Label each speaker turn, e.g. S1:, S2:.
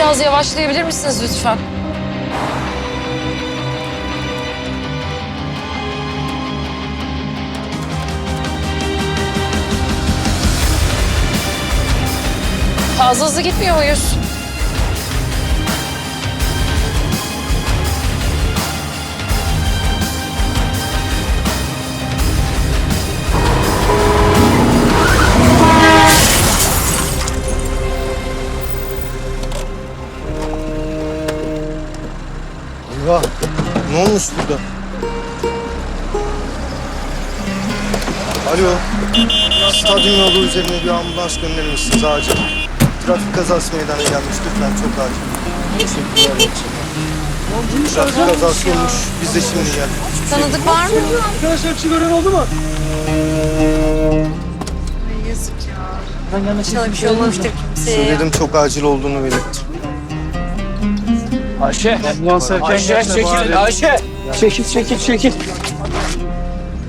S1: Biraz yavaşlayabilir misiniz lütfen? Fazla hızlı gitmiyor muyuz?
S2: Eyvah! Ne olmuş burada? Alo. Stadyum yolu üzerine bir ambulans gönderir misiniz acil? Trafik kazası meydana gelmiş. Lütfen çok acil. Teşekkürler. Trafik kazası olmuş. Biz de şimdi geldik.
S1: Tanıdık var mı?
S3: Arkadaşlar bir şey gören oldu mu?
S1: Ay yazık ya. İnşallah bir şey olmamıştır kimseye.
S2: Söyledim çok acil olduğunu belirttim.
S3: Ayşe. Ambulans erken
S4: Ayşe
S3: gelme
S4: çekil.
S3: bari.
S4: Ayşe.
S3: Çekil.